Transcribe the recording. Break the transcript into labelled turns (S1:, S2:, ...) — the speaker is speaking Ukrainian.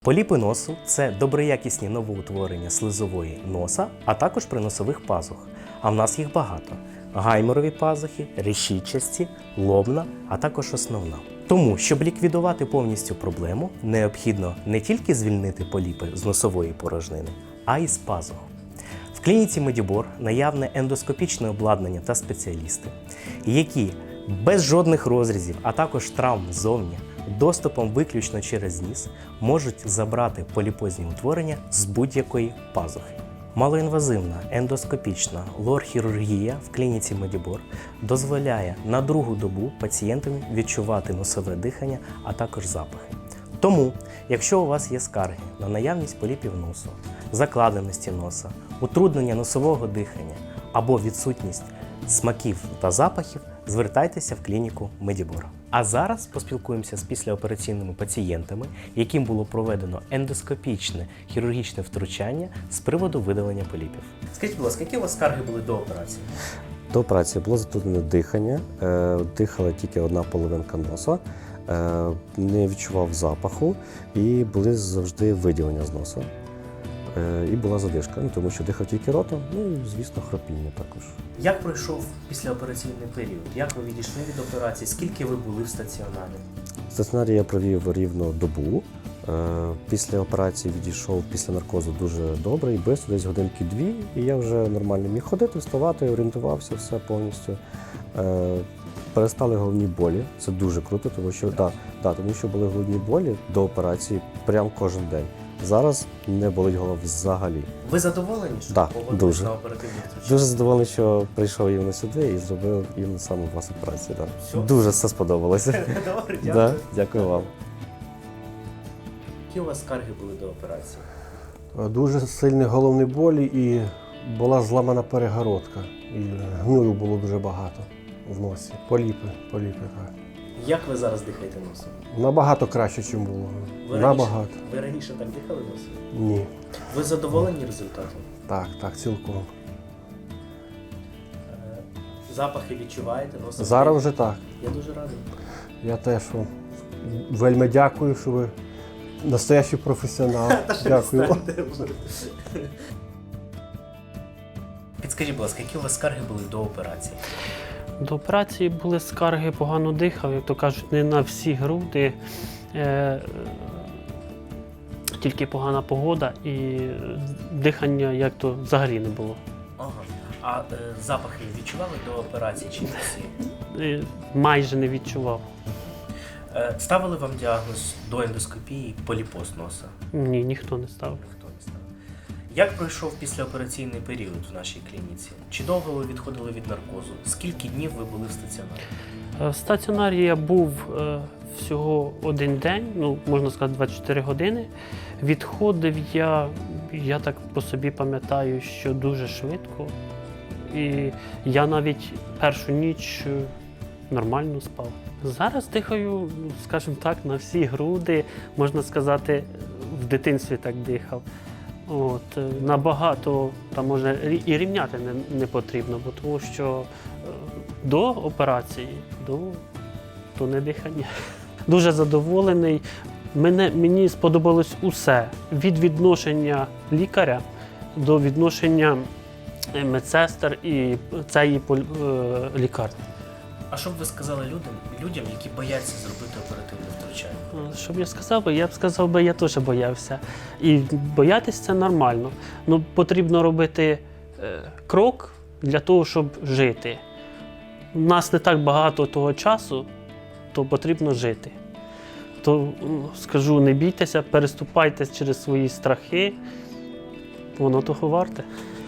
S1: Поліпи носу – це доброякісні новоутворення слизової носа, а також приносових пазух. А в нас їх багато. Гайморові пазухи, решітчасті, лобна, а також основна. Тому, щоб ліквідувати повністю проблему, необхідно не тільки звільнити поліпи з носової порожнини, а й з пазух. В клініці Медібор наявне ендоскопічне обладнання та спеціалісти, які без жодних розрізів, а також травм ззовні, доступом виключно через ніс, можуть забрати поліпозні утворення з будь-якої пазухи. Малоінвазивна ендоскопічна лор-хірургія в клініці Медібор дозволяє на другу добу пацієнтам відчувати носове дихання, а також запахи. Тому, якщо у вас є скарги на наявність поліпів носу, закладеності носа, утруднення носового дихання або відсутність смаків та запахів, звертайтеся в клініку Медібор. А зараз поспілкуємося з післяопераційними пацієнтами, яким було проведено ендоскопічне хірургічне втручання з приводу видалення поліпів. Скажіть, будь ласка, які у вас скарги були до операції?
S2: До операції було затруднене дихання, дихала тільки одна половинка носа, не відчував запаху і були завжди виділення з носа. І була задишка, тому що дихав тільки ротом, і, звісно, хропіння також.
S1: Як пройшов післяопераційний період? Як ви відійшли від операції? Скільки ви були в стаціонарі?
S2: В стаціонарі я провів рівно добу. Після операції відійшов після наркозу дуже добре і швидко, десь годинки-дві, і я вже нормально міг ходити, вставати, орієнтувався, все повністю. Перестали головні болі, це дуже круто, тому що були головні болі до операції прям кожен день. Зараз не болить голова взагалі.
S1: Ви задоволені, що погодились
S2: дуже.
S1: на оперативне втручання?
S2: Дуже задоволений, що прийшов іменно сюди і зробив іменно саме у вас операцію. Да.
S1: Все?
S2: Дуже все сподобалося.
S1: Добре, дякую.
S2: Да, дякую вам.
S1: Які у вас скарги були до операції?
S3: Дуже сильні головні болі і була зламана перегородка. І гною було дуже багато в носі. Поліпи, так.
S1: Як ви зараз дихаєте носом?
S3: Набагато краще, ніж було. Набагато.
S1: Ви раніше так дихали носом?
S3: Ні.
S1: Ви задоволені результатом?
S3: Так, цілком.
S1: Запахи відчуваєте? Носом?
S3: Зараз вже так.
S1: Я дуже радий.
S3: Я теж вам вельми дякую, що ви настоящий професіонал. Дякую.
S1: Підскажіть, будь ласка, які у вас скарги були до операції?
S4: До операції були скарги, погано дихав, як то кажуть, не на всі груди, тільки погана погода і дихання як то взагалі не було.
S1: Ага. А запахи відчували до операції чи не всі?
S4: Майже не відчував.
S1: Ставили вам діагноз до ендоскопії поліпоз носа?
S4: Ні, ніхто не ставив.
S1: Ніхто не ставив. Як пройшов післяопераційний період в нашій клініці? Чи довго ви відходили від наркозу? Скільки днів ви були в стаціонарі?
S4: В стаціонарі я був всього один день, можна сказати 24 години. Відходив я так по собі пам'ятаю, що дуже швидко. І я навіть першу ніч нормально спав. Зараз дихаю, скажімо так, на всі груди, можна сказати, в дитинстві так дихав. Набагато, там може і рівняти не потрібно, бо тому що до операції, то не дихання. Дуже задоволений. Мені сподобалось усе. Від відношення лікаря до відношення медсестер і цієї лікарні.
S1: А що б ви сказали людям, які бояться зробити оперативне втручання?
S4: Що б я сказав? Я б сказав, я теж боявся. І боятися це нормально. Потрібно робити крок для того, щоб жити. У нас не так багато того часу, то потрібно жити. То скажу, не бійтеся, переступайте через свої страхи, воно того варте.